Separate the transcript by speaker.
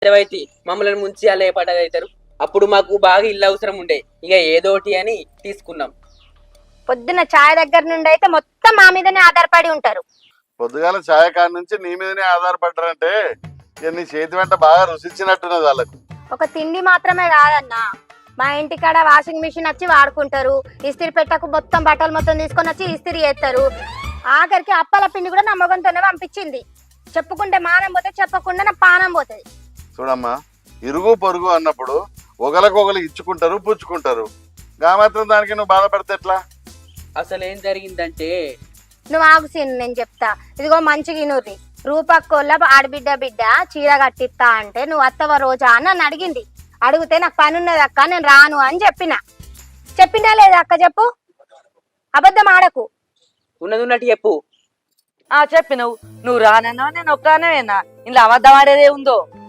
Speaker 1: అయితే మమ్మల్ని ముంచి అలా పడ్డదవుతారు. అప్పుడు మాకు బాగా ఇల్లు అవసరం ఉండే, ఇక ఏదోటి అని తీసుకున్నాం.
Speaker 2: పొద్దున్న ఛాయ్ దగ్గర నుండి అయితే మొత్తం మా మీదనే ఆధారపడి ఉంటారు.
Speaker 3: పొద్దుగాల ఛాయ కాడి నుంచి నీ మీదనే ఆధారపడ్డారంటే ఇక నీ చేతి వెంట బాగా రుచిచ్చినట్టున్నది వాళ్ళకు.
Speaker 2: ఒక తిండి మాత్రమే కాదన్నా, మా ఇంటికాడ వాషింగ్ మిషన్ వచ్చి వాడుకుంటారు, ఇస్త్రీ పెట్టకు మొత్తం బట్టలు మొత్తం తీసుకొని వచ్చి ఇస్త్రీ చేస్తారు. ఆఖరికి అప్పల పిండి కూడా నా మొగంతోనే పంపించింది. చెప్పుకుంటే మానం పోతే, చెప్పకుండా నా పానం పోతుంది.
Speaker 3: చూడమ్మా, ఇరుగు పొరుగు అన్నప్పుడు ఒకరికొకరు ఇచ్చుకుంటారు, పుచ్చుకుంటారు. గా మాత్రం దానికి నువ్వు బాధపడితే ఎట్లా?
Speaker 1: అసలు ఏం జరిగిందంటే,
Speaker 2: నువ్వు ఆగు సీన్, నేను చెప్తా. ఇదిగో మంచిగా నూరి రూపక్కోళ్ళ బిడ్డ చీర కట్టిస్తా అంటే నువ్వు అత్తవ రోజా అని నన్ను అడిగింది. అడిగితే నాకు పని ఉన్నది అక్క, నేను రాను అని చెప్పినా లేదా అక్క? చెప్పు, అబద్ధం ఆడకు.
Speaker 1: ఉన్నది ఉన్నట్టు చెప్పు.
Speaker 4: చెప్పి నువ్వు రానన్నా నేను ఒక్కనేనా, ఇంట్లో అబద్ధం ఆడేదే ఉందో.